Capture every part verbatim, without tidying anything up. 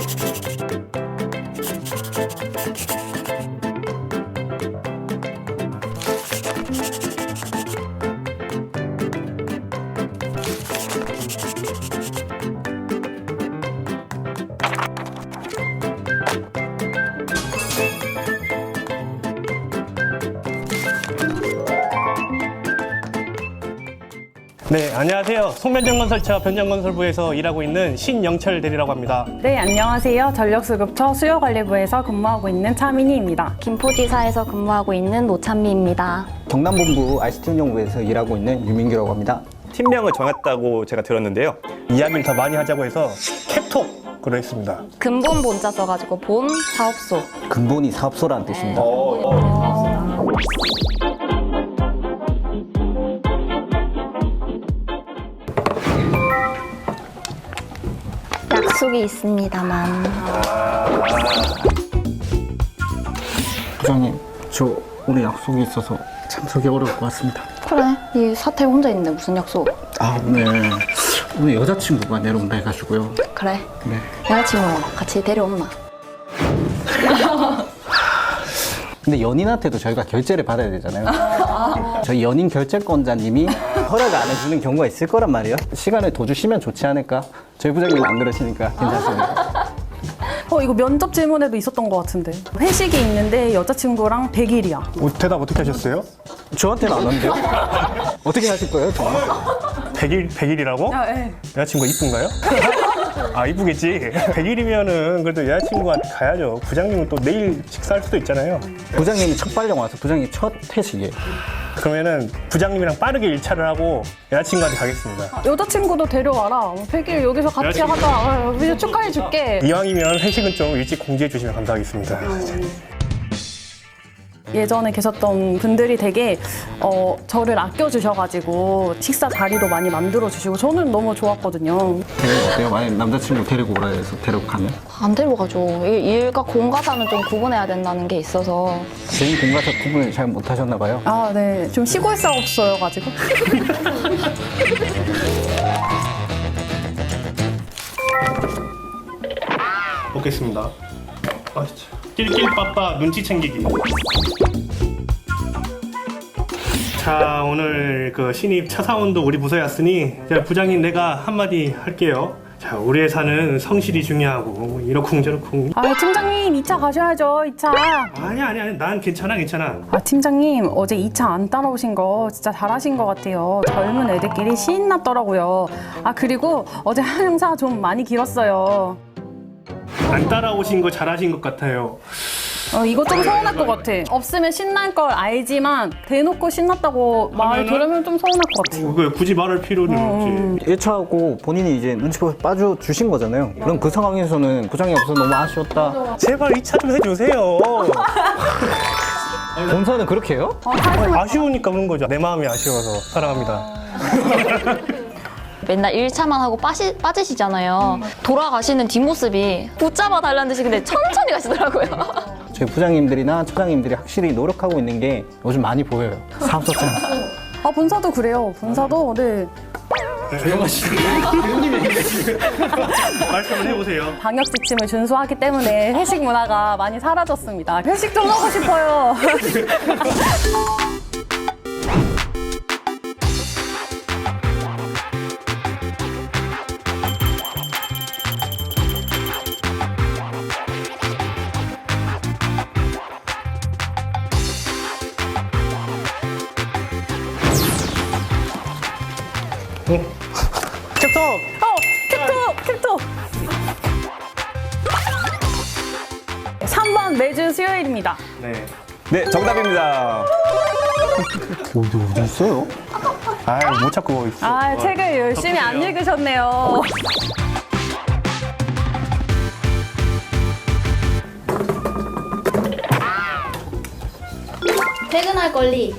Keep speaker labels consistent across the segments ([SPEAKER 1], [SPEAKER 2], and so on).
[SPEAKER 1] 네, 안녕하세요. 송변전건설차 변전건설부에서 일하고 있는 신영철 대리라고 합니다.
[SPEAKER 2] 네, 안녕하세요. 전력수급처 수요관리부에서 근무하고 있는 차민희입니다.
[SPEAKER 3] 김포지사에서 근무하고 있는 노찬미입니다.
[SPEAKER 4] 경남본부 아이씨티 운영부에서 일하고 있는 유민규라고 합니다.
[SPEAKER 1] 팀명을 정했다고 제가 들었는데요. 이야기를 더 많이 하자고 해서 캡톡으로 했습니다.
[SPEAKER 3] 근본 본자 써가지고 본 사업소.
[SPEAKER 4] 근본이 사업소라는 뜻입니다.
[SPEAKER 3] 약속이 있습니다만.
[SPEAKER 4] 부장님, 저 오늘 약속이 있어서 참석이 어려울 것 같습니다.
[SPEAKER 3] 그래, 이 사태 혼자 있는데 무슨 약속?
[SPEAKER 4] 아, 오늘 오늘 여자친구가 내려온다 해가지고요.
[SPEAKER 3] 그래,
[SPEAKER 4] 네.
[SPEAKER 3] 여자친구 같이 데려온나?
[SPEAKER 4] 근데 연인한테도 저희가 결제를 받아야 되잖아요. 저희 연인 결제권자님이 허락을 안 해주는 경우가 있을 거란 말이에요. 시간을 더 주시면 좋지 않을까? 저희 부장님은 안 그러시니까 괜찮습니다.
[SPEAKER 2] 어, 이거 면접 질문에도 있었던 것 같은데. 회식이 있는데 여자친구랑 백 일이야.
[SPEAKER 1] 어, 대답 어떻게 하셨어요?
[SPEAKER 4] 저한테는 안 왔는데요? 어떻게 하실 거예요, 저?
[SPEAKER 1] 백 일, 백 일이라고?
[SPEAKER 2] 아, 예.
[SPEAKER 1] 여자친구가 이쁜가요? 아, 이쁘겠지. 백 일이면은 그래도 여자친구한테 가야죠. 부장님은 또 내일 식사할 수도 있잖아요.
[SPEAKER 4] 부장님이 첫 발령 와서 부장님 첫 회식이에요.
[SPEAKER 1] 그러면은 부장님이랑 빠르게 일 차를 하고 여자친구한테 가겠습니다.
[SPEAKER 2] 여자친구도 데려와라. 백 일 여기서 같이
[SPEAKER 1] 여자친구.
[SPEAKER 2] 하자. 아, 우리 축하해줄게.
[SPEAKER 1] 이왕이면 회식은 좀 일찍 공지해 주시면 감사하겠습니다.
[SPEAKER 2] 예전에 계셨던 분들이 되게 어, 저를 아껴주셔가지고 식사 자리도 많이 만들어주시고 저는 너무 좋았거든요.
[SPEAKER 4] 데리고 어때요? 만약 남자친구 데리고 오라 해서 데려가면?
[SPEAKER 3] 안 데려가죠. 일- 일과 공과사는 좀 구분해야 된다는 게 있어서.
[SPEAKER 4] 개인 공과사 구분을 잘 못하셨나 봐요.
[SPEAKER 2] 아, 네. 좀 시골 사업소여가지고.
[SPEAKER 1] 먹겠습니다. 아, 진짜. 낄낄빠빠 눈치 챙기기. 자, 오늘 그 신입 차 사원도 우리 부서에 왔으니 자, 부장님 내가 한마디 할게요. 자, 우리 회사는 성실이 중요하고 이러쿵저러쿵.
[SPEAKER 2] 아, 팀장님 이 차 가셔야죠. 이 차.
[SPEAKER 1] 아니 아니 아니 난 괜찮아 괜찮아.
[SPEAKER 2] 아, 팀장님 어제 이 차 안 따라오신 거 진짜 잘하신 것 같아요. 젊은 애들끼리 신났더라고요. 아, 그리고 어제 한 행사 좀 많이 길었어요.
[SPEAKER 1] 안 따라오신 거 잘하신 것 같아요.
[SPEAKER 2] 어, 이거 좀 서운할 것 같아. 없으면 신날 걸 알지만 대놓고 신났다고 말
[SPEAKER 1] 하면은?
[SPEAKER 2] 들으면 좀 서운할 것 같아.
[SPEAKER 1] 어, 그 굳이 말할 필요는 없지.
[SPEAKER 4] 일 차하고 본인이 이제 눈치 보여 빠져주신 거잖아요. 그럼 그 상황에서는 부장이 없어서 너무 아쉬웠다.
[SPEAKER 1] 제발 이 차 좀 해주세요.
[SPEAKER 4] 본사는 그렇게 해요?
[SPEAKER 1] 아쉬우니까 그런 거죠. 내 마음이 아쉬워서 사랑합니다.
[SPEAKER 3] 맨날 일 차만 하고 빠시, 빠지시잖아요. 돌아가시는 뒷모습이 붙잡아 달라는 듯이 근데 천천히 가시더라고요.
[SPEAKER 4] 저희 부장님들이나 차장님들이 확실히 노력하고 있는 게 요즘 많이 보여요. 사업소장.
[SPEAKER 2] 아, 본사도 그래요. 본사도 네.
[SPEAKER 1] 말씀을 해보세요.
[SPEAKER 2] 방역 지침을 준수하기 때문에 회식 문화가 많이 사라졌습니다. 회식 좀 하고 싶어요.
[SPEAKER 1] 캡톱!
[SPEAKER 2] 어, 캡톡! 캡톡! 삼 번 매주 수요일입니다.
[SPEAKER 1] 네.
[SPEAKER 5] 네, 정답입니다.
[SPEAKER 4] 어디 어디 있어요?
[SPEAKER 1] 아, 못 찾고 있어.
[SPEAKER 2] 아, 책을 열심히 안 읽으셨네요.
[SPEAKER 3] 퇴근할 권리.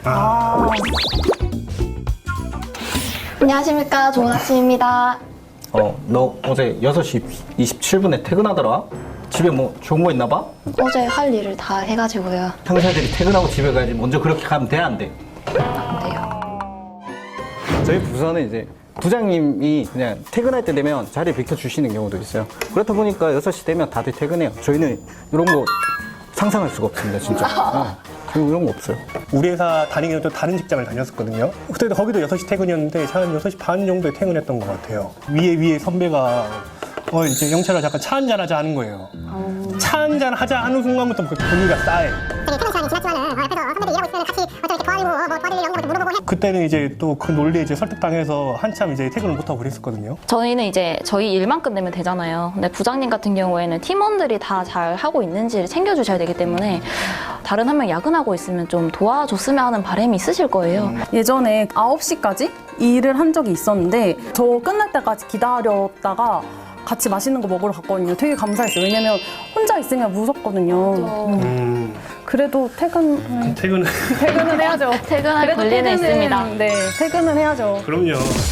[SPEAKER 3] 안녕하십니까. 좋은 아침입니다.
[SPEAKER 4] 어, 너 어제 여섯 시 이십칠 분에 퇴근하더라? 집에 뭐 좋은 거 있나 봐?
[SPEAKER 3] 어제 할 일을 다 해가지고요.
[SPEAKER 4] 상사들이 퇴근하고 집에 가야지 먼저 그렇게 가면 돼, 안 돼?
[SPEAKER 3] 안 돼요.
[SPEAKER 4] 저희 부서는 이제 부장님이 그냥 퇴근할 때 되면 자리 비켜주시는 경우도 있어요. 그렇다 보니까 여섯 시 되면 다들 퇴근해요. 저희는 이런 거 상상할 수가 없습니다, 진짜. 네. 저희 이런 거 없어요.
[SPEAKER 1] 우리 회사 다니기는 또 다른 직장을 다녔었거든요. 그때도 거기도 여섯 시 퇴근이었는데 한 여섯 시 반 정도에 퇴근했던 것 같아요. 위에 위에 선배가 어 이제 영철아 잠깐 차 한잔 하자 하는 거예요. 차 한잔 하자 하는 순간부터 그 분위기가 싸해.
[SPEAKER 6] 되게 퇴근 시간이 지났지만은 어, 옆에서 선배들 일하고 있으면 같이 어떻게 이렇게 도와드리고 뭐 도와드릴 영역을 물어보고 해.
[SPEAKER 1] 그때는 이제 또 그 논리에 이제 설득당해서 한참 이제 퇴근을 못하고 그랬었거든요.
[SPEAKER 3] 저희는 이제 저희 일만 끝내면 되잖아요. 근데 부장님 같은 경우에는 팀원들이 다 잘 하고 있는지를 챙겨주셔야 되기 때문에 다른 한 명 야근하고 있으면 좀 도와줬으면 하는 바람이 있으실 거예요.
[SPEAKER 2] 예전에 아홉 시까지 일을 한 적이 있었는데 저 끝날 때까지 기다렸다가 같이 맛있는 거 먹으러 갔거든요. 되게 감사했어요. 왜냐면 혼자 있으면 무섭거든요. 음.
[SPEAKER 1] 음,
[SPEAKER 2] 그래도 퇴근
[SPEAKER 1] 퇴근은
[SPEAKER 2] 퇴근은 해야죠.
[SPEAKER 3] 퇴근할
[SPEAKER 2] 그래도
[SPEAKER 3] 권리는
[SPEAKER 2] 퇴근은,
[SPEAKER 3] 있습니다.
[SPEAKER 2] 네, 퇴근은 해야죠.
[SPEAKER 1] 그럼요.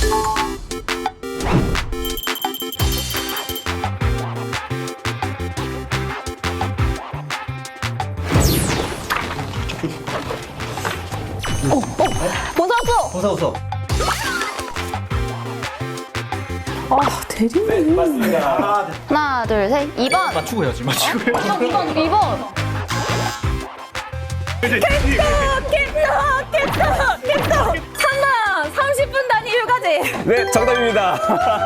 [SPEAKER 3] 본사수!
[SPEAKER 4] 어서 어서.
[SPEAKER 2] 아, 대리님.
[SPEAKER 3] 하나, 둘, 셋. 이 번!
[SPEAKER 4] 맞추고 해야지, 맞추고 해야지.
[SPEAKER 3] 이 번, 이 번!
[SPEAKER 2] 삼 만 삼십 분 단위 휴가제.
[SPEAKER 5] 네, 정답입니다.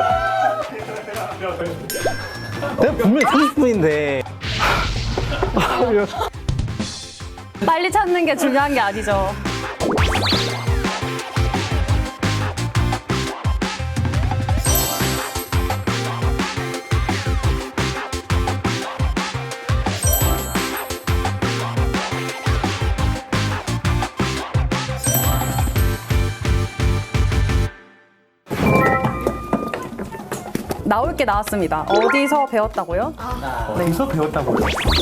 [SPEAKER 4] 내가 분명히 삼십 분인데.
[SPEAKER 2] 빨리 찾는 게 중요한 게 아니죠. 나올 게 나왔습니다. 어디서 배웠다고요?
[SPEAKER 1] 어디서 배웠다고요?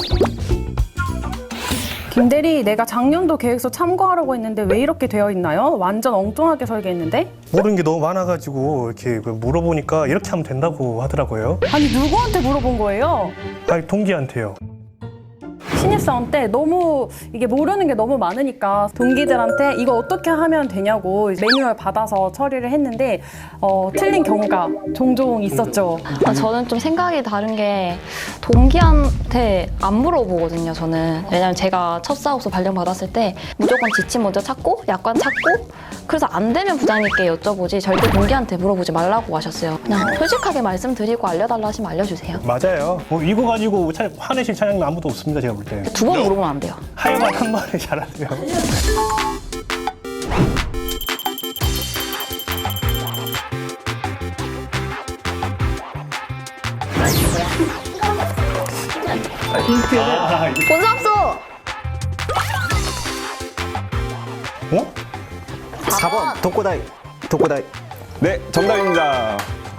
[SPEAKER 2] 김대리, 내가 작년도 계획서 참고하라고 했는데 왜 이렇게 되어 있나요? 완전 엉뚱하게 설계했는데?
[SPEAKER 1] 모르는 게 너무 많아가지고 이렇게 물어보니까 이렇게 하면 된다고 하더라고요.
[SPEAKER 2] 아니, 누구한테 물어본 거예요?
[SPEAKER 1] 아니 동기한테요.
[SPEAKER 2] 신입사원 때 너무 이게 모르는 게 너무 많으니까 동기들한테 이거 어떻게 하면 되냐고 매뉴얼 받아서 처리를 했는데 어, 틀린 경우가 종종 있었죠.
[SPEAKER 3] 아, 저는 좀 생각이 다른 게 동기한테 안 물어보거든요, 저는. 왜냐면 제가 첫 사업소 발령 받았을 때 무조건 지침 먼저 찾고 약관 찾고 그래서 안 되면 부장님께 여쭤보지 절대 동기한테 물어보지 말라고 하셨어요. 그냥 솔직하게 말씀드리고 알려달라 하시면 알려주세요.
[SPEAKER 1] 맞아요. 뭐 이거 가지고 차, 화내실 차장님 아무도 없습니다, 제가 볼 때.
[SPEAKER 3] 두 번 물어보면 안 돼요.
[SPEAKER 1] 하여간 한 번에 잘하세요. 아, 이게
[SPEAKER 3] 본사수!
[SPEAKER 1] 어?
[SPEAKER 4] 사 번 독고다이. 독고다이.
[SPEAKER 5] 네, 정답입니다.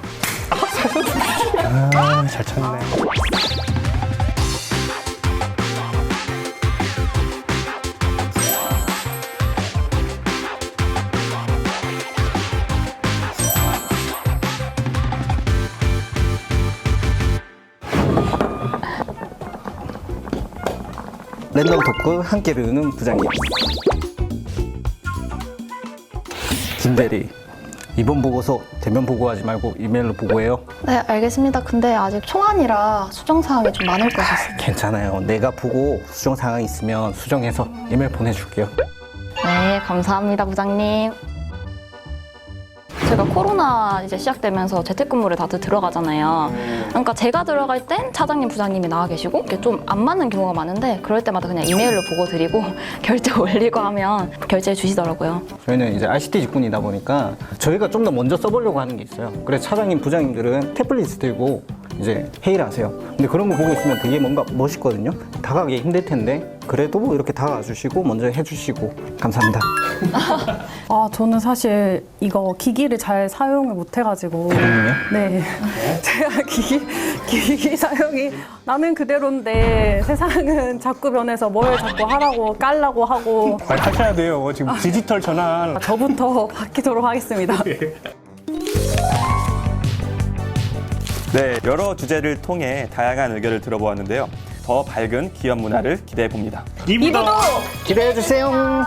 [SPEAKER 1] 아, 잘 찾네.
[SPEAKER 4] 랜덤 토크 함께 배우는 부장님. 김대리, 이번 보고서 대면 보고하지 말고 이메일로 보고해요.
[SPEAKER 3] 네, 알겠습니다. 근데 아직 초안이라 수정사항이 좀 많을 것 같아요.
[SPEAKER 4] 괜찮아요. 내가 보고 수정 사항 있으면 수정해서 이메일 보내줄게요.
[SPEAKER 3] 네, 감사합니다, 부장님. 제가 코로나 이제 시작되면서 재택근무를 다들 들어가잖아요. 그러니까 제가 들어갈 땐 차장님, 부장님이 나와 계시고 이게 좀 안 맞는 경우가 많은데 그럴 때마다 그냥 이메일로 보고 드리고 결제 올리고 하면 결제해 주시더라고요.
[SPEAKER 4] 저희는 이제 아이씨티 직군이다 보니까 저희가 좀 더 먼저 써보려고 하는 게 있어요. 그래서 차장님, 부장님들은 태블릿 들고 이제 회의를 하세요. 근데 그런 거 보고 있으면 되게 뭔가 멋있거든요. 다가가기 힘들 텐데 그래도 이렇게 다가와 주시고 먼저 해주시고 감사합니다.
[SPEAKER 2] 아, 저는 사실 이거 기기를 잘 사용을 못 해가지고. 네. 제가 기기, 기기 사용이 나는 그대로인데 세상은 자꾸 변해서 뭘 자꾸 하라고 깔라고 하고.
[SPEAKER 1] 빨리 하셔야 돼요. 지금 디지털 전환.
[SPEAKER 2] 저부터 바뀌도록 하겠습니다.
[SPEAKER 5] 네, 여러 주제를 통해 다양한 의견을 들어보았는데요. 더 밝은 기업 문화를 기대해 봅니다.
[SPEAKER 1] 이부도
[SPEAKER 4] 기대해 주세요.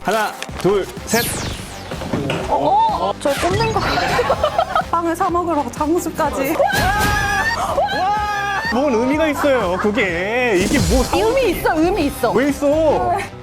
[SPEAKER 5] 하나, 둘, 셋.
[SPEAKER 3] 어? 저 꼽는 거.
[SPEAKER 2] 빵을 사 먹으러 장수까지.
[SPEAKER 1] 뭔 의미가 있어요, 그게. 이게 뭐.
[SPEAKER 2] 의미 있어, 의미 있어.
[SPEAKER 1] 왜 있어?